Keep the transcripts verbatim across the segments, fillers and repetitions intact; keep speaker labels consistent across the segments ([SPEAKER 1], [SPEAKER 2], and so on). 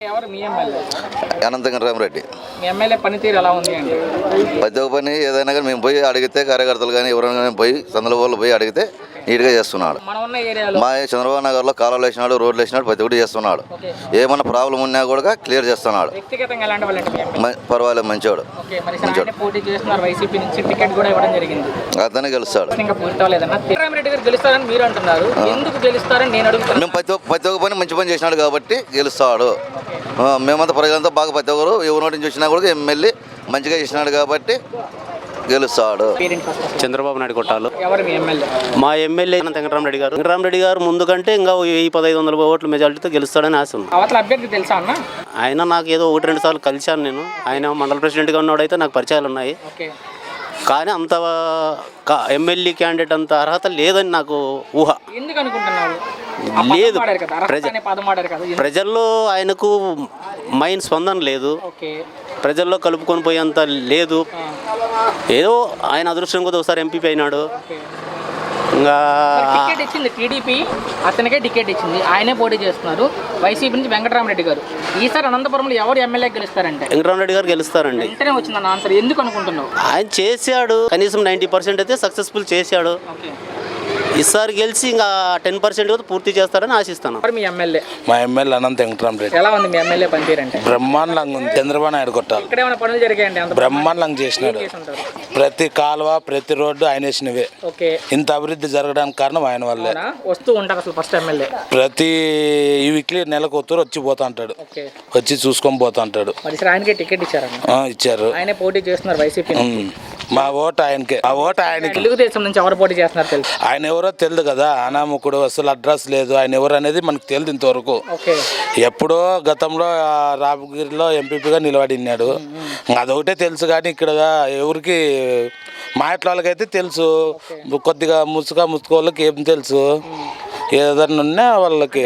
[SPEAKER 1] ఎవరు మీ ఎమ్మెల్యే?
[SPEAKER 2] అనంతరం రామరెడ్డి.
[SPEAKER 1] మీ ఎమ్మెల్యే పనితీరు ఎలా ఉంది అండి?
[SPEAKER 2] ప్రతి ఒక్క పని ఏదైనా కానీ మేము పోయి అడిగితే కార్యకర్తలు కానీ ఎవరైనా కానీ పోయి సందుల వాళ్ళు పోయి అడిగితే నీట్గా చేస్తున్నాడు.
[SPEAKER 1] మనం ఉన్న ఏరియాలో
[SPEAKER 2] మా చంద్రబాబు నగర్లో కాలువలు వేసినాడు, రోడ్లు వేసినాడు, ప్రతి ఒక్కటి చేస్తున్నాడు. ఏమన్నా ప్రాబ్లం ఉన్నా కూడా క్లియర్ చేస్తున్నాడు.
[SPEAKER 1] వ్యక్తిగతంగా ఎలాంటి వాళ్ళంటే మీ ఎమ్మెల్యే?
[SPEAKER 2] పర్వాలేదు, మంచోడు.
[SPEAKER 1] ఓకే, మరి ఆయన పోటీ చేస్తున్నారు, వైసీపీ నుంచి టికెట్ కూడా ఇవ్వడం జరిగింది.
[SPEAKER 2] అతనే గెలుస్తాడు.
[SPEAKER 1] ఇంకా పూర్తి అవ్వలేదన్న రామరెడ్డి గారు గెలుస్తారని మీరు అంటున్నారు, ఎందుకు గెలుస్తారని నేను అడుగుతాను.
[SPEAKER 2] మేము ప్రతి ప్రతి ఒక్క పని మంచి పని చేసినాడు కాబట్టి గెలుస్తాడు. మేమంతా ప్రజలంతా బాగా ప్రతి ఒక్కరు ఎవరి నోటి నుంచి వచ్చినా కూడా ఎమ్మెల్యే మంచిగా చేసినాడు కాబట్టి గెలుస్తాడు.
[SPEAKER 3] చంద్రబాబు నాయుడు కొట్టాలు.
[SPEAKER 1] ఎవరు మీ ఎమ్మెల్యే?
[SPEAKER 3] మా ఎమ్మెల్యే వెంకటరామరెడ్డి గారు. వెంకటరామరెడ్డి గారు ముందు కంటే ఇంకా వెయ్యి పదహైదు వందల ఓట్ల మెజార్టీతో గెలుస్తాడని ఆశ ఉంది.
[SPEAKER 1] అవతల అభ్యర్థి తెలుసా అన్న?
[SPEAKER 3] ఆయన నాకు ఏదో ఒకటి రెండు సార్లు కలిశాను నేను. ఆయన మండల ప్రెసిడెంట్గా ఉన్నాడైతే నాకు పరిచయాలు ఉన్నాయి. కానీ అంత ఎమ్మెల్యే క్యాండిడేట్ అంత అర్హత లేదని నాకు ఊహ.
[SPEAKER 1] ఎందుకు అనుకుంటున్నారు?
[SPEAKER 3] లేదు, ప్రజల్లో ఆయనకు మైండ్ స్పందన లేదు, ప్రజల్లో కలుపుకొని పోయేంత లేదు. ఏదో ఆయన అదృష్టం కొద్ది ఒకసారి ఎంపీ అయినాడు. ఇంకా
[SPEAKER 1] టికెట్ ఇచ్చింది టీడీపీ, అతనికే టికెట్ ఇచ్చింది, ఆయనే పోటీ చేస్తున్నారు. వైసీపీ నుంచి వెంకటరామరెడ్డి గారు. ఈసారి అనంతపురంలో ఎవరు ఎమ్మెల్యే గెలుస్తారంటే?
[SPEAKER 3] వెంకటరామరెడ్డి గారు గెలుస్తారండి.
[SPEAKER 1] వెంటనే వచ్చిందన్న ఆన్సర్. ఎందుకు అనుకుంటున్నావు?
[SPEAKER 3] ఆయన చేశాడు, కనీసం నైంటీ పర్సెంట్ అయితే సక్సెస్ఫుల్ చేశాడు. ఈసారి గెలిచి ఇంకా టెన్ పర్సెంట్ పూర్తి చేస్తారని ఆశిస్తాను.
[SPEAKER 1] మీ ఎమ్మెల్యే?
[SPEAKER 4] మా ఎమ్మెల్యే అనంత వెంకటరామరెడ్డి.
[SPEAKER 1] ఎలా ఉంది మీ ఎమ్మెల్యే పనితీరు అంటే?
[SPEAKER 4] బ్రహ్మాండంగా ఉంది. చంద్రబాబు నాయుడు కొట్టాలి.
[SPEAKER 1] ఇక్కడ ఏమైనా పనులు జరిగాయండి?
[SPEAKER 4] బ్రహ్మాండంగా చేసినాడు. ప్రతి కాలువ ప్రతి రోడ్డు ఆయన వేసినవే. ఇంత అభివృద్ధి జరగడానికి కారణం ఆయన వల్లే.
[SPEAKER 1] వస్తూ ఉంటారు అసలు ఫస్ట్ ఎమ్మెల్యే
[SPEAKER 4] ప్రతి ఈ వీక్లీ నెలకు ఒత్తురు వచ్చి పోతా అంటాడు, వచ్చి చూసుకొని పోతా అంటాడు.
[SPEAKER 1] ఆయనకే టికెట్ ఇచ్చారు?
[SPEAKER 4] ఇచ్చారు.
[SPEAKER 1] ఆయనే పోటీ చేస్తున్నారు వైసీపీ.
[SPEAKER 4] మా ఓటు ఆయనకే. ఆ ఓటు ఆయనకి.
[SPEAKER 1] తెలుగుదేశం నుంచి ఎవరు పోటీ చేస్తున్నారు తెలుసు?
[SPEAKER 4] ఆయన ఎవరో తెలియదు కదా, అనామకుడు, అసలు అడ్రస్ లేదు. ఆయన ఎవరు అనేది మనకు తెలియదు ఇంతవరకు. ఎప్పుడో గతంలో రామగిరిలో ఎంపీపీగా నిలబడినాడు, అదొకటే తెలుసు. కానీ ఇక్కడ ఎవరికి మా ఇంట్లో వాళ్ళకైతే తెలుసు, కొద్దిగా ముసుగా ముసుగు వాళ్ళకి ఏం తెలుసు. ఏదన్నా ఉన్నా వాళ్ళకి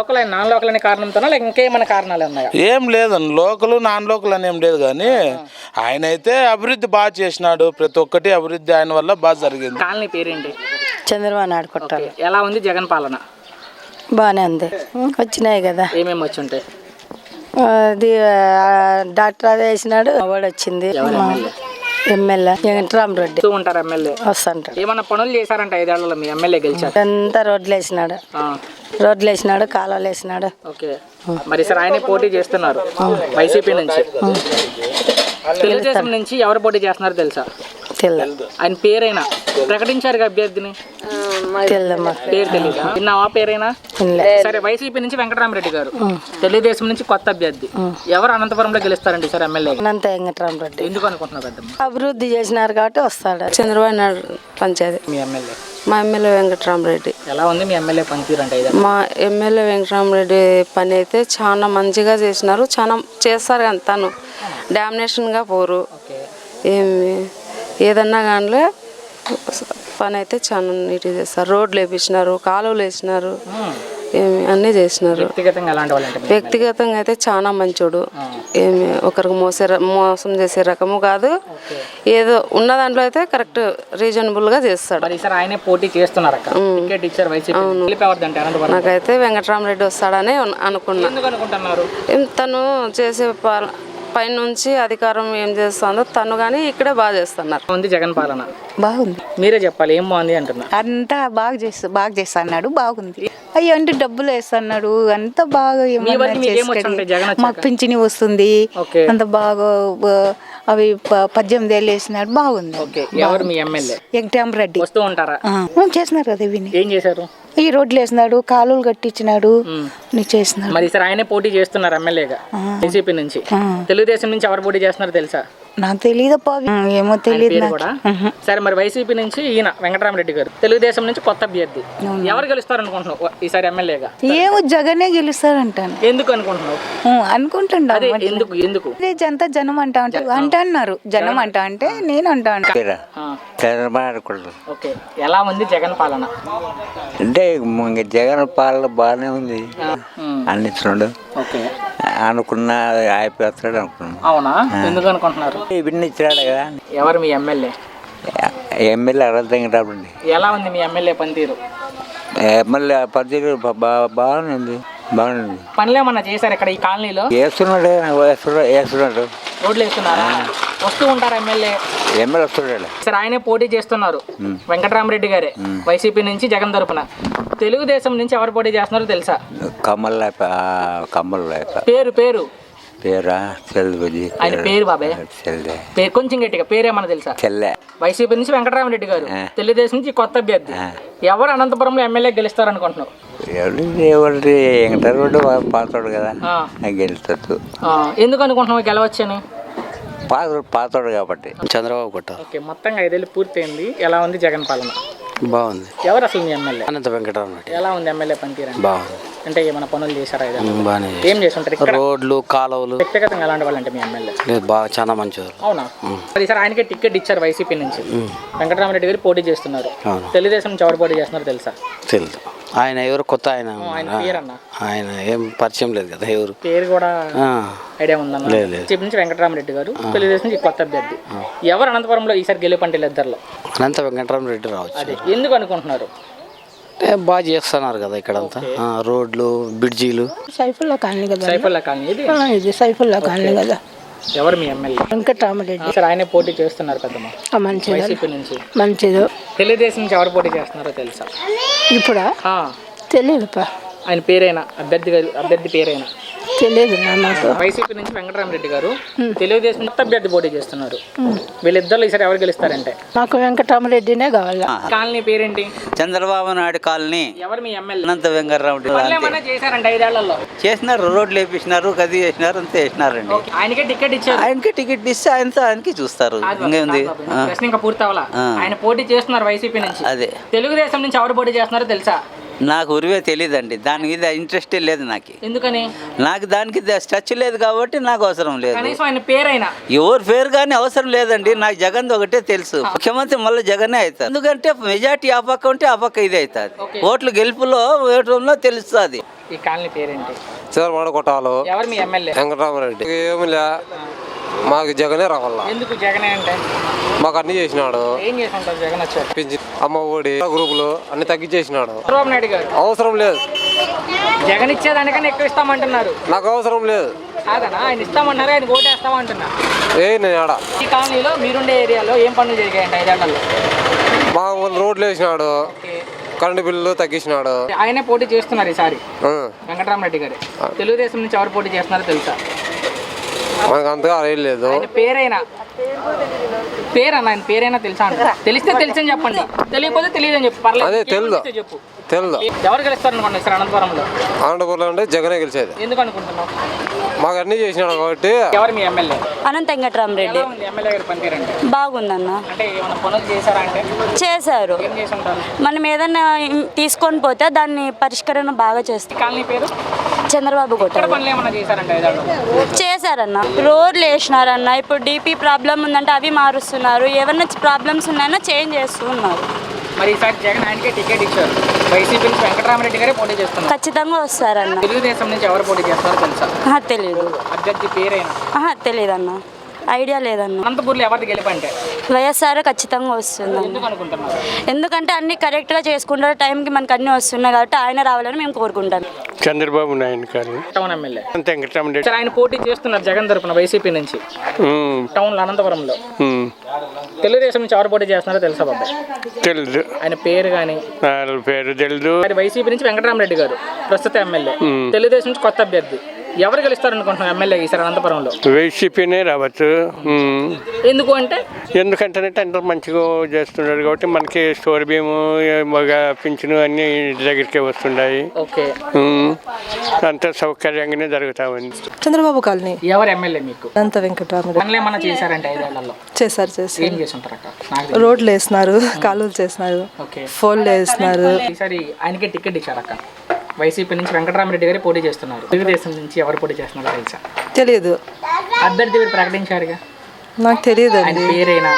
[SPEAKER 4] ఏం లేదండి, లోకల్ నాన్ లోకల్ అని ఏం లేదు. కానీ ఆయన అయితే అభివృద్ధి బాగా చేసినాడు. ప్రతి ఒక్కటి అభివృద్ధి ఆయన వల్ల బాగా జరిగింది.
[SPEAKER 1] కాలనీ పేరేంటి?
[SPEAKER 5] చంద్రబాబు నాయుడు కొట్టాలి.
[SPEAKER 1] ఎలా ఉంది జగన్ పాలన?
[SPEAKER 5] బాగానే ఉంది. వచ్చినాయి కదా.
[SPEAKER 1] ఏమేమి వచ్చి ఉంటాయి?
[SPEAKER 5] అది డాక్టర్ అదే వేసినాడు, అవార్డు వచ్చింది. ఎమ్మెల్యే వెంకటరామరెడ్డి
[SPEAKER 1] ఉంటారు. ఎమ్మెల్యే
[SPEAKER 5] వస్తుంటాడు.
[SPEAKER 1] ఏమన్నా పనులు చేశారంట ఐదేళ్లలో మీ ఎమ్మెల్యే గెలిచారు?
[SPEAKER 5] అంతా రోడ్లు వేసినాడు, రోడ్లు వేసినాడు, కాలువలు వేసినాడు.
[SPEAKER 1] ఓకే, మరి సార్ ఆయనే పోటీ చేస్తున్నారు వైసీపీ నుంచి. తెలుగుదేశం నుంచి ఎవరు పోటీ చేస్తున్నారు తెలుసా?
[SPEAKER 5] తెలియదు.
[SPEAKER 1] ఆయన పేరైనా ప్రకటించారు అభ్యర్థిని?
[SPEAKER 5] తెలియదమ్మా.
[SPEAKER 1] పేరు తెలియదా? విన్నావా పేరైనా? సరే, వైసీపీ నుంచి వెంకటరామరెడ్డి గారు, తెలుగుదేశం నుంచి కొత్త అభ్యర్థి. ఎవరు అనంతపురంలో గెలుస్తారండి సార్ ఎమ్మెల్యే?
[SPEAKER 5] అనంత వెంకటరామరెడ్డి.
[SPEAKER 1] ఎందుకు అనుకుంటున్నారు?
[SPEAKER 5] అభివృద్ధి చేసినారు కాబట్టి వస్తాడు. చంద్రబాబు నాయుడు పంచాయతీ.
[SPEAKER 1] మీ ఎమ్మెల్యే?
[SPEAKER 5] మా ఎమ్మెల్యే వెంకటరామరెడ్డి.
[SPEAKER 1] ఎలా ఉంది మీ ఎమ్మెల్యే పనితీరు అంటే?
[SPEAKER 5] మా ఎమ్మెల్యే వెంకటరామరెడ్డి పని అయితే చాలా మంచిగా చేసినారు, చాలా చేస్తారు. కానీ తను డామినేషన్గా పోరు. ఏమి ఏదన్నా కానీ పని అయితే చాలా నీట్గా చేస్తారు. రోడ్లు వేపించినారు, కాలువలు వేసినారు, ఏమి అన్నీ చేసినారు. వ్యక్తిగతంగా అయితే చాలా మంచోడు. ఏమి ఒకరికి మోసే మోసం చేసే రకము కాదు. ఏదో ఉన్న దాంట్లో అయితే కరెక్ట్ రీజనబుల్గా చేస్తాడు. నాకైతే వెంకటరామరెడ్డి వస్తాడని అనుకున్నా. తను చేసే పైనుంచి అధికారం ఏం చేస్తుందో తను కానీ ఇక్కడే బాగా చేస్తున్నారు.
[SPEAKER 1] జగన్ పాలన
[SPEAKER 6] బాగుంది.
[SPEAKER 1] మీరే చెప్పాలి, ఏం బాగుంది అంటున్నారు?
[SPEAKER 6] అంతా బాగా చేస్తా బాగా చేస్తా అన్నాడు, బాగుంది. అయ్యో అంటే డబ్బులు వేస్తున్నాడు, అంత బాగా మాకు పింఛని వస్తుంది, అంత బాగా అవి పద్దెనిమిది ఏళ్ళు వేసినాడు, బాగుంది.
[SPEAKER 1] ఎవరు మీ ఎమ్మెల్యే?
[SPEAKER 6] వెంకటరామరెడ్డి.
[SPEAKER 1] వస్తూ ఉంటారా?
[SPEAKER 6] చేస్తున్నారు కదా. ఇవి
[SPEAKER 1] ఏం చేశారు?
[SPEAKER 6] ఈ రోడ్లు వేసినాడు, కాలువలు కట్టించినాడు, చేసినాడు.
[SPEAKER 1] మరి సార్ ఆయనే పోటీ చేస్తున్నారు ఎమ్మెల్యేగా వైసీపీ నుంచి. తెలుగుదేశం నుంచి ఎవరు పోటీ చేస్తున్నారు తెలుసా?
[SPEAKER 6] నాకు తెలియదప్పా, ఏమో తెలియదు కూడా.
[SPEAKER 1] సరే, మరి వైసీపీ నుంచి ఈయన వెంకటరామరెడ్డి గారు, తెలుగుదేశం నుంచి కొత్త అభ్యర్థి. ఎవరు గెలుస్తారు అనుకుంటున్నావు ఈసారి ఎమ్మెల్యేగా?
[SPEAKER 6] ఏమో జగనే గెలుస్తారంటాను.
[SPEAKER 1] ఎందుకు అనుకుంటున్నావు?
[SPEAKER 6] అనుకుంటున్నా.
[SPEAKER 1] ఎందుకు ఎందుకు
[SPEAKER 6] అంతా జనం అంటా అంటే అంటే అన్నారు. జనం అంటా అంటే నేను అంటా అంటే
[SPEAKER 1] ఓకే. ఎలా ఉంది జగన్ పాలన
[SPEAKER 7] అంటే? జగన్ పాలన బాగానే ఉంది అన్నించున్నాడు.
[SPEAKER 1] ఓకే,
[SPEAKER 7] అనుకున్నా అయిపోతాడు అనుకున్నాను.
[SPEAKER 1] అవునా? ఎందుకు అనుకుంటున్నారు?
[SPEAKER 7] ఇవన్నీ ఇచ్చినాడు కదా.
[SPEAKER 1] ఎవరు మీ ఎమ్మెల్యే?
[SPEAKER 7] ఎమ్మెల్యే అనంత వెంకటరామరెడ్డి.
[SPEAKER 1] ఎలా ఉంది మీ ఎమ్మెల్యే పనితీరు?
[SPEAKER 7] ఎమ్మెల్యే పనితీరు బాగానే ఉంది. బాగుంది.
[SPEAKER 1] పనులు ఏమన్నా చేశారు ఇక్కడ ఈ కాలనీలో?
[SPEAKER 7] వేస్తున్నాడు వేస్తున్నాడు వేస్తున్నాడు
[SPEAKER 1] రోడ్లు వేస్తున్నారా? వస్తూ ఉంటారు ఎమ్మెల్యే?
[SPEAKER 7] ఎమ్మెల్యే వస్తున్నాడు.
[SPEAKER 1] సార్ ఆయనే పోటీ చేస్తున్నారు, వెంకటరామరెడ్డి గారే వైసీపీ నుంచి జగన్ తరపున. తెలుగుదేశం నుంచి ఎవరు పోటీ చేస్తున్నారో తెలుసా?
[SPEAKER 7] కమ్మల్ లేక కమ్మల్ లేక
[SPEAKER 1] పేరు పేరు
[SPEAKER 7] పేరా చెల్లి
[SPEAKER 1] ఆయన పేరు బాబాయ్
[SPEAKER 7] చెల్లె
[SPEAKER 1] పేరు కొంచెం గట్టిగా పేరేమన్నా తెలుసా?
[SPEAKER 7] చెల్లె
[SPEAKER 1] వైసీపీ నుంచి వెంకటరామరెడ్డి గారు, తెలుగుదేశం నుంచి కొత్త అభ్యర్థి. ఎవరు అనంతపురంలో ఎమ్మెల్యే గెలుస్తారు అనుకుంటున్నావు?
[SPEAKER 7] ఎవరి ఎవరి వెంకటరామరెడ్డి పాతాడు కదా, గెలుస్తాడు.
[SPEAKER 1] ఎందుకు అనుకుంటున్నావు గెలవచ్చని?
[SPEAKER 7] పాత పాతాడు కాబట్టి.
[SPEAKER 3] చంద్రబాబు కొట్ట.
[SPEAKER 1] ఓకే, మొత్తంగా ఐదేళ్ళు పూర్తయింది. ఎలా ఉంది జగన్ పాలన?
[SPEAKER 3] బాగుంది.
[SPEAKER 1] ఎవరు అసలు మీ ఎమ్మెల్యే?
[SPEAKER 3] అనంత వెంకటరామరెడ్డి.
[SPEAKER 1] ఎలా ఉంది ఎమ్మెల్యే పనితీరు?
[SPEAKER 3] బాగుంది.
[SPEAKER 1] అంటే ఏమైనా పనులు చేశారా?
[SPEAKER 3] బాగానే
[SPEAKER 1] ఏం చేస్తుంటారు ఇక్కడ?
[SPEAKER 3] రోడ్లు కాలువలు.
[SPEAKER 1] వ్యక్తిగతంగా ఎలాంటి వాళ్ళు అంటే మీ ఎమ్మెల్యే?
[SPEAKER 3] లేదు, బాగా చాలా మంచివారు.
[SPEAKER 1] అవునా? అది సార్ ఆయనకే టికెట్ ఇచ్చారు వైసీపీ నుంచి. వెంకటరామరెడ్డి గారు పోటీ చేస్తున్నారు.
[SPEAKER 3] అవును.
[SPEAKER 1] తెలుగుదేశం నుంచి ఎవరు పోటీ చేస్తున్నారు తెలుసా?
[SPEAKER 3] తెలుసు. ఆయన ఎవరు కొత్త ఆయన?
[SPEAKER 1] ఆయన పేరన్నా?
[SPEAKER 3] ఆయన ఏం పరిచయం లేదు కదా ఎవరు.
[SPEAKER 1] పేరు కూడా ఐడియా ఉందన్న.
[SPEAKER 3] లేదు.
[SPEAKER 1] వైసీపీ నుంచి వెంకటరామరెడ్డి గారు, తెలుగుదేశం నుంచి కొత్త అభ్యర్థి. ఎవరు అనంతపురంలో ఈసారి గెలుపంటే ఇద్దరులో?
[SPEAKER 3] అనంత వెంకటరామరెడ్డి రావచ్చు.
[SPEAKER 1] అదే ఎందుకు అనుకుంటున్నారు?
[SPEAKER 3] బాగా చేస్తున్నారు కదా ఇక్కడంతా, రోడ్లు బ్రిడ్జీలు.
[SPEAKER 8] సైఫుల్లా కాలనీ కదా,
[SPEAKER 1] సైఫుల్లా కాలనీ ఇది.
[SPEAKER 8] ఇది సైఫుల్లా కాలనీ కదా.
[SPEAKER 1] ఎవరు మీ ఎమ్మెల్యే?
[SPEAKER 8] వెంకటరామరెడ్డి.
[SPEAKER 1] సార్ ఆయనే పోటీ చేస్తున్నారు పెద్దమ్మ
[SPEAKER 8] మంచిది
[SPEAKER 1] వైసీపీ నుంచి.
[SPEAKER 8] మంచిది.
[SPEAKER 1] తెలుగుదేశం నుంచి ఎవరు పోటీ చేస్తున్నారో తెలుసా?
[SPEAKER 8] ఇప్పుడా
[SPEAKER 1] ఆ,
[SPEAKER 8] తెలియదుపా.
[SPEAKER 1] ఆయన పేరైనా అభ్యర్థి గారు అభ్యర్థి పేరైనా
[SPEAKER 8] తెలియదు నాకు.
[SPEAKER 1] వైసీపీ నుంచి వెంకటరామరెడ్డి గారు, తెలుగుదేశం కొత్త అభ్యర్థి పోటీ చేస్తున్నారు. వీళ్ళిద్దరు ఈసారి ఎవరు గెలుస్తారంటే?
[SPEAKER 8] నాకు వెంకటరామరెడ్డినే కావాలి.
[SPEAKER 1] కాలనీ పేరేంటి?
[SPEAKER 9] చంద్రబాబు నాయుడు కాలనీ.
[SPEAKER 1] ఎవరు మీ ఎమ్మెల్యే?
[SPEAKER 9] అనంత వెంకటరామరెడ్డి.
[SPEAKER 1] పనులు ఏమన్నా చేశారంటే ఐదేళ్లలో?
[SPEAKER 9] చేసినారు, రోడ్లు వేపించినారు, గది చేసినారు, అంతే వేసినారండి.
[SPEAKER 1] ఓకే, ఆయనకే టికెట్ ఇచ్చారు.
[SPEAKER 9] ఆయనకి టికెట్ ఇస్తే ఆయనతో ఆయనకి చూస్తారు. ఇంకేముంది?
[SPEAKER 1] ప్రశ్న ఇంకా పూర్తి అవ్వాలా? ఆయన పోటీ చేస్తున్నారు వైసీపీ నుంచి.
[SPEAKER 9] అదే.
[SPEAKER 1] తెలుగుదేశం నుంచి ఎవరు పోటీ చేస్తున్నారో తెలుసా?
[SPEAKER 9] నాకు ఉరివే తెలియదండి, దాని మీద ఇంట్రెస్టే లేదు నాకు.
[SPEAKER 1] ఎందుకని?
[SPEAKER 9] నాకు దానికి టచ్ లేదు కాబట్టి నాకు అవసరం లేదు.
[SPEAKER 1] కనీసం ఆయన పేరైనా?
[SPEAKER 9] ఎవరు పేరు కానీ అవసరం లేదండి, నాకు జగన్ ఒకటే తెలుసు. ముఖ్యమంత్రి మళ్ళీ జగనే అవుతారు. ఎందుకంటే మెజార్టీ ఆ పక్క ఉంటే ఆ పక్క ఇది అవుతుంది. ఓట్లు గెలుపులో ఓటంలో తెలుస్తుంది.
[SPEAKER 1] ఈ కాలనీ పేరేంటి?
[SPEAKER 10] చంద్రబాబు కొట్టాలు.
[SPEAKER 1] ఎవరు మీ ఎమ్మెల్యే?
[SPEAKER 10] వెంకటరామరెడ్డి. ఏమి లే, మాకు జగనే రావాల.
[SPEAKER 1] ఎందుకు జగనే అంటే?
[SPEAKER 10] మాకు అన్ని చేసినాడు.
[SPEAKER 1] ఏం చేసి ఉంటారు జగన్ వచ్చారు?
[SPEAKER 10] పింఛన్, అమ్మ ఒడి, గ్రూపులు అన్ని తగ్గించేసినాడు.
[SPEAKER 1] చంద్రబాబు నాయుడు గారు
[SPEAKER 10] అవసరం లేదు.
[SPEAKER 1] జగన్ ఇచ్చేదానికన్నా ఎక్కువ ఇస్తామంటున్నారు.
[SPEAKER 10] నాకు అవసరం లేదు.
[SPEAKER 1] కాదనా, ఆయన ఇస్తామన్నారు, ఆయన ఓటేస్తామంటున్నా.
[SPEAKER 10] ఏ నేను ఆడ
[SPEAKER 1] ఈ కాలనీలో మీరుండే ఏరియాలో ఏం పనులు జరిగాయండి ఐదేళ్లలో?
[SPEAKER 10] మా రోడ్లు వేసినాడు, కరెంటు బిల్లు తగ్గించినాడు.
[SPEAKER 1] ఆయనే పోటీ చేస్తున్నారు ఈసారి, వెంకటరామరెడ్డి గారు. తెలుగుదేశం నుంచి ఎవరు పోటీ చేస్తున్నారో తెలుసా?
[SPEAKER 10] మనకు అంతగా ఏం లేదు.
[SPEAKER 1] ఆయన పేరైనా పేరన్నా ఆయన పేరైనా తెలుసా అంట? తెలిస్తే తెలుసని చెప్పండి, తెలియకపోతే తెలియదని చెప్పు, పర్లేదు.
[SPEAKER 10] అదే తెలుదు
[SPEAKER 1] చెప్పు.
[SPEAKER 10] తెలుదు.
[SPEAKER 1] ఎవరు గెలుస్తారు అనుకోండి సార్ అనంతపురంలో?
[SPEAKER 10] అనంతపురంలో అంటే జగనే గెలిచేది.
[SPEAKER 1] ఎందుకు అనుకుంటున్నావు?
[SPEAKER 10] మాకు అన్ని చేసినాడు కాబట్టి.
[SPEAKER 1] ఎవరు మీ ఎమ్మెల్యే?
[SPEAKER 11] అనంత వెంకటరామరెడ్డి.
[SPEAKER 1] ఎమ్మెల్యే గారు పనితీరండి
[SPEAKER 11] బాగుందన్న.
[SPEAKER 1] అంటే ఏమైనా పనులు చేశారా అంటే?
[SPEAKER 11] చేశారు.
[SPEAKER 1] ఏం చేసి ఉంటారు?
[SPEAKER 11] మనం ఏదన్నా తీసుకొని పోతే దాన్ని పరిష్కరణ బాగా చేస్తాం.
[SPEAKER 1] కాలనీ పేరు?
[SPEAKER 11] చంద్రబాబు
[SPEAKER 1] ఇక్కడ
[SPEAKER 11] కొట్టారు.
[SPEAKER 1] పనులు ఏమైనా చేశారంటే ఐదేళ్లలో?
[SPEAKER 11] చేశారన్న, రోడ్లు వేసినారన్న. ఇప్పుడు డీపీ ప్రాబ్లం ఉందంటే అవి మారుస్తున్నారు. ఏమన్నా ప్రాబ్లమ్స్ ఉన్నాయన్నా చేంజ్ చేస్తూ ఉన్నారు.
[SPEAKER 1] మరి ఈసారి జగన్ ఆయనకే టికెట్ ఇచ్చారు. వైసీపీ నుంచి వెంకటరామరెడ్డి గారే పోటీ చేస్తున్నారు.
[SPEAKER 11] ఖచ్చితంగా వస్తారన్న.
[SPEAKER 1] తెలుగుదేశం నుంచి ఎవరు పోటీ చేస్తారో తెలుసా?
[SPEAKER 11] తెలీదు.
[SPEAKER 1] అభ్యర్థి పేరైనా?
[SPEAKER 11] తెలీదన్న, ఐడియా లేదన్న.
[SPEAKER 1] అనంతపూర్లో ఎవరిది గెలుపంటే?
[SPEAKER 11] వైఎస్ఆర్ ఖచ్చితంగా వస్తుంది.
[SPEAKER 1] ఎందుకు అనుకుంటున్నారు?
[SPEAKER 11] ఎందుకంటే అన్ని కరెక్ట్గా చేసుకుంటారు, టైంకి మనకు అన్ని వస్తున్నాయి కాబట్టి ఆయన రావాలని మేము కోరుకుంటాం.
[SPEAKER 10] చంద్రబాబు నాయుడు గారు
[SPEAKER 1] టౌన్ ఎమ్మెల్యే
[SPEAKER 10] అంత వెంకటరామరెడ్డి.
[SPEAKER 1] సార్ ఆయన పోటీ చేస్తున్నారు జగన్ తరపున వైసీపీ నుంచి టౌన్ లో అనంతపురంలో. తెలుగుదేశం నుంచి ఎవరు పోటీ చేస్తున్నారో తెలుసా బాబాయ్?
[SPEAKER 10] తెలుసు.
[SPEAKER 1] ఆయన పేరు కానీ
[SPEAKER 10] పేరు తెలుసు.
[SPEAKER 1] వైసీపీ నుంచి వెంకటరామరెడ్డి గారు ప్రస్తుత ఎమ్మెల్యే, తెలుగుదేశం నుంచి కొత్త అభ్యర్థి. ఎవరు గెలుస్తారు అనుకుంటున్నారు ఎమ్మెల్యే ఈసారి అనంతపురంలో?
[SPEAKER 10] వైసీపీనే రావచ్చు.
[SPEAKER 1] ఎందుకు అంటే?
[SPEAKER 10] ఎందుకంటే అందరూ మంచిగా చేస్తున్నారు కాబట్టి మనకి స్టోర్ భీము, మగ పింఛను అన్ని ఇంటి దగ్గరికే వస్తున్నాయి.
[SPEAKER 1] ఓకే,
[SPEAKER 10] అంత సౌకర్యంగానే జరుగుతా ఉంది.
[SPEAKER 8] చంద్రబాబు కాలనీ.
[SPEAKER 1] ఎవరు ఎమ్మెల్యే మీకు?
[SPEAKER 8] అనంత వెంకటరామరెడ్డి.
[SPEAKER 1] పనులు ఏమన్నా చేశారంటే ఐదేళ్లలో?
[SPEAKER 8] చేశారు చేశారు
[SPEAKER 1] ఏం చేసి ఉంటారు అక్క?
[SPEAKER 8] రోడ్లు వేసినారు, కాలువలు చేసినారు, ఫోన్లు వేసినారు.
[SPEAKER 1] ఈసారి ఆయనకే టికెట్ ఇచ్చారు అక్క. వైసీపీ నుంచి వెంకటరామరెడ్డి గారి పోటీ చేస్తున్నారు. తెలుగుదేశం నుంచి ఎవరు పోటీ చేస్తున్నారో తెలుసా?
[SPEAKER 8] తెలియదు.
[SPEAKER 1] అభ్యర్థి మీరు ప్రకటించారుగా?
[SPEAKER 8] నాకు తెలియదు
[SPEAKER 1] ఆయన
[SPEAKER 8] అండి.
[SPEAKER 1] పేరైనా?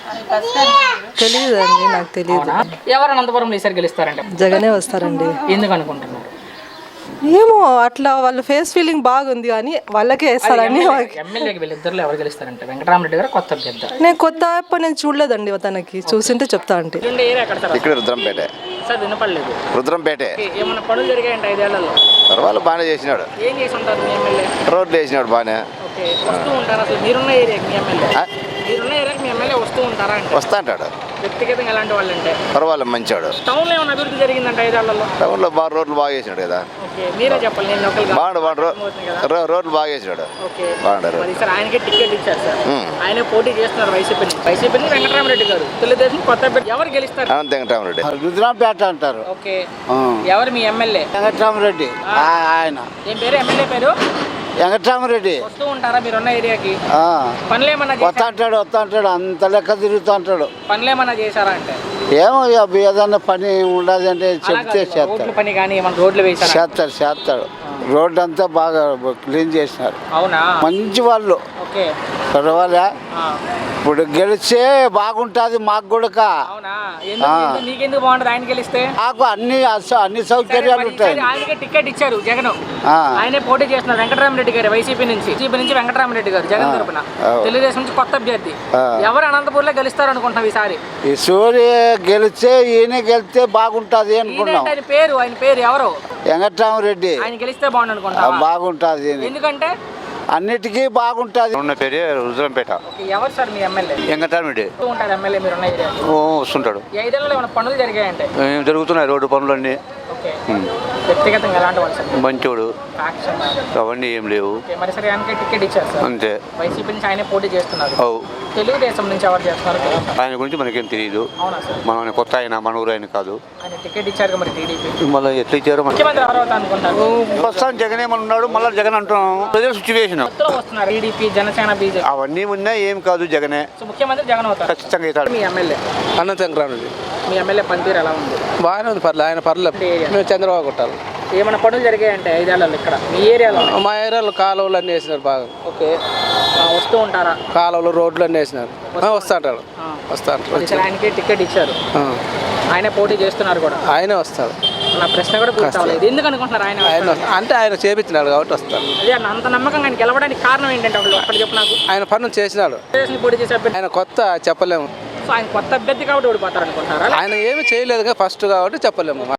[SPEAKER 8] తెలియదు అండి, నాకు తెలియదు.
[SPEAKER 1] ఎవరు అనంతపురంలో ఈసారి గెలుస్తారంటే?
[SPEAKER 8] జగనే వస్తారండి.
[SPEAKER 1] ఎందుకు అనుకుంటున్నారు?
[SPEAKER 8] ఏమో అట్లా వాళ్ళ ఫేస్ ఫీలింగ్ బాగుంది కానీ వాళ్ళకే వేస్తారని
[SPEAKER 1] ఎమ్మెల్యేకి వీళ్ళిద్దరు ఎవరు గెలుస్తారంటే వెంకటరామరెడ్డి గారు కొత్త అభ్యర్థి.
[SPEAKER 8] నేను కొత్త అప్ప నేను చూడలేదండి తనకి, చూసింటే చెప్తా అంటే.
[SPEAKER 2] ఇక్కడ రుద్రంపేట.
[SPEAKER 1] సార్ వినపడలేదు.
[SPEAKER 2] రుద్రంపేటే.
[SPEAKER 1] ఏమన్నా పనులు జరిగాయంటే ఐదేళ్లలో?
[SPEAKER 2] పర్వాలేదు, బాగానే చేసినాడు.
[SPEAKER 1] ఏం చేసి ఉంటారు మీ ఎమ్మెల్యే?
[SPEAKER 2] రోడ్లు వేసినాడు బాగానే.
[SPEAKER 1] ఓకే, వస్తూ ఉంటారు. అసలు మీరున్న ఏరియాకి మీ ఎమ్మెల్యే మీరున్న ఏరియాకి మీ ఎమ్మెల్యే వస్తూ ఉంటారా అంటే?
[SPEAKER 2] వస్తా అంటాడు.
[SPEAKER 1] వ్యక్తిగతంగా ఎలాంటి వాళ్ళు అంటే?
[SPEAKER 2] పర్వాలేదు, మంచివాడు.
[SPEAKER 1] టౌన్లో ఏమైనా అభివృద్ధి జరిగిందంటే ఐదేళ్లలో?
[SPEAKER 2] టౌన్లో బాగా రోడ్లు బాగా చేసినాడు కదా.
[SPEAKER 1] ఓకే, మీరే చెప్పాలి. నేను లోకల్
[SPEAKER 2] బాగుండు బాగుండు రోడ్లు బాగా చేసినాడు.
[SPEAKER 1] ఓకే,
[SPEAKER 2] బాగుంటారు.
[SPEAKER 1] మరి సార్ ఆయనకే టికెట్ ఇచ్చారు సార్. ఆయనే పోటీ చేస్తున్నారు వైసీపీ వైసీపీ వెంకటరామరెడ్డి గారు. తెలుగుదేశం కొత్త అభ్యర్థి ఎవరు గెలుస్తారు?
[SPEAKER 2] అనంత వెంకటరామరెడ్డి.
[SPEAKER 12] రుద్రంపేట అంటారు.
[SPEAKER 1] ఓకే, ఎవరు మీ ఎమ్మెల్యే?
[SPEAKER 12] వెంకటరామరెడ్డి ఆయన.
[SPEAKER 1] ఏం పేరు ఎమ్మెల్యే పేరు?
[SPEAKER 12] వెంకటరామరెడ్డి.
[SPEAKER 1] వస్తూ ఉంటారా మీరున్న ఏరియాకి? పనులు ఏమన్నా
[SPEAKER 12] వస్తా అంటాడు వస్తా అంటాడు అంత లెక్క తిరుగుతూ అంటాడు.
[SPEAKER 1] పనులు ఏమన్నా చేశారా అంటే?
[SPEAKER 12] ఏమో ఏదన్నా పని ఉండదు అంటే చెప్తే చేస్తాడు.
[SPEAKER 1] పని కానీ ఏమన్నా రోడ్లు వేసారు?
[SPEAKER 12] చేస్తాడు చేస్తాడు రోడ్డు అంతా బాగా క్లీన్ చేసినారు.
[SPEAKER 1] అవునా?
[SPEAKER 12] మంచి వాళ్ళు.
[SPEAKER 1] ఓకే,
[SPEAKER 12] పర్వాలే. ఇప్పుడు గెలిస్తే బాగుంటుంది మాకు కూడా.
[SPEAKER 1] అవునా? నీకెందుకు బాగుంటుంది ఆయన గెలిస్తే?
[SPEAKER 12] మాకు అన్ని అన్ని సౌకర్యాలు ఉంటాయి.
[SPEAKER 1] ఆయనకే టికెట్ ఇచ్చారు జగన్. ఆయనే పోటీ చేస్తున్నారు వెంకటరామరెడ్డి గారు వైసీపీ నుంచి. వైసీపీ నుంచి వెంకటరామరెడ్డి గారు జగన్ తరపున. తెలుగుదేశం నుంచి కొత్త అభ్యర్థి. ఎవరు అనంతపూర్ లో గెలుస్తారు అనుకుంటున్నాం ఈసారి?
[SPEAKER 12] ఈ సూర్య గెలిస్తే ఈయన గెలిస్తే బాగుంటుంది అనుకున్నాం.
[SPEAKER 1] ఆయన పేరు ఆయన పేరు ఎవరు?
[SPEAKER 12] వెంకటరామరెడ్డి.
[SPEAKER 1] ఆయన గెలిస్తే బాగుంది అనుకుంటా.
[SPEAKER 12] బాగుంటుంది
[SPEAKER 1] ఎందుకంటే
[SPEAKER 12] అన్నిటికీ బాగుంటుంది.
[SPEAKER 3] ఉన్న పేరే రుద్రంపేట.
[SPEAKER 1] ఎవరు సార్ మీ ఎమ్మెల్యే?
[SPEAKER 3] వెంకటరామరెడ్డి
[SPEAKER 1] ఉంటారు ఎమ్మెల్యే మీరు ఉన్న ఏరియా?
[SPEAKER 3] వస్తుంటాడు.
[SPEAKER 1] ఐదేళ్లలో ఏమైనా పనులు జరిగాయంటే?
[SPEAKER 3] జరుగుతున్నాయి రోడ్డు పనులన్నీ.
[SPEAKER 1] ఓకే, వ్యక్తిగతంగా ఎలాంటి వాళ్ళు సార్?
[SPEAKER 3] మంచోడు, అవన్నీ ఏం లేవు.
[SPEAKER 1] మరి సరే ఆయనకే టికెట్ ఇచ్చారు సార్.
[SPEAKER 3] అంతే.
[SPEAKER 1] వైసీపీ నుంచి ఆయనే పోటీ చేస్తున్నారు.
[SPEAKER 3] అవు.
[SPEAKER 1] తెలుగుదేశం నుంచి ఎవరు చేస్తున్నారు?
[SPEAKER 3] ఆయన గురించి మనకేం తెలియదు.
[SPEAKER 1] అవునా సార్?
[SPEAKER 3] మన కొత్త ఆయన మన ఊరు ఆయన కాదు.
[SPEAKER 1] ఆయన టికెట్ ఇచ్చారు మరి టీడీపీ.
[SPEAKER 3] మళ్ళీ ఎట్లా ఇచ్చారు?
[SPEAKER 1] ముఖ్యమంత్రి ఎవరు అవుతా అనుకుంటారు?
[SPEAKER 3] ప్రస్తుతం జగన్ ఏమన్నా ఉన్నాడు, మళ్ళీ జగన్ అంటున్నాం. ప్రజల సిచ్యువేషన్
[SPEAKER 1] వస్తున్నారు టీడీపీ జనసేన బీజేపీ
[SPEAKER 3] అవన్నీ ఉన్నాయి. ఏం కాదు, జగనే.
[SPEAKER 1] సో ముఖ్యమంత్రి జగన్ అవుతారు
[SPEAKER 3] ఖచ్చితంగా అవుతాడు.
[SPEAKER 1] మీ ఎమ్మెల్యే
[SPEAKER 4] అనంత వెంకటరామరెడ్డి.
[SPEAKER 1] మీ ఎమ్మెల్యే పనితీరు ఎలా ఉంది?
[SPEAKER 4] బాగానే ఉంది, పర్లేదు. ఆయన పర్లేదు. మేము చంద్రబాబు కొట్టాలి.
[SPEAKER 1] ఏమైనా పనులు జరిగాయంటే ఐదేళ్లలో ఇక్కడ మీ ఏరియాలో?
[SPEAKER 4] మా ఏరియాలో కాలువలు అన్నీ వేసినారు బాగా.
[SPEAKER 1] ఓకే, వస్తూ ఉంటారా?
[SPEAKER 4] కాలువలు రోడ్లు అన్నీ వేసినారు. వస్తా అంటాడు వస్తా అంటాడు.
[SPEAKER 1] ఆయనకే టికెట్ ఇచ్చారు. ఆయనే పోటీ చేస్తున్నారు కూడా.
[SPEAKER 4] ఆయనే వస్తాడు.
[SPEAKER 1] నా ప్రశ్న కూడా పూర్తి అవ్వలేదు. ఎందుకు అనుకుంటున్నారు ఆయన?
[SPEAKER 4] ఆయన అంటే ఆయన చేపించినాడు కాబట్టి వస్తాడు.
[SPEAKER 1] అదే అంత నమ్మకంగా ఆయన గెలవడానికి కారణం ఏంటంటే అక్కడ చెప్పు నాకు.
[SPEAKER 4] ఆయన పనులు చేసినాడు.
[SPEAKER 1] పోటీ చేసే అభ్యర్థి
[SPEAKER 4] ఆయన కొత్త చెప్పలేము.
[SPEAKER 1] సో ఆయన కొత్త అభ్యర్థి కాబట్టి ఓడిపోతారు అనుకుంటున్నారా?
[SPEAKER 4] ఆయన ఏమి చేయలేదు ఫస్ట్ కాబట్టి చెప్పలేము.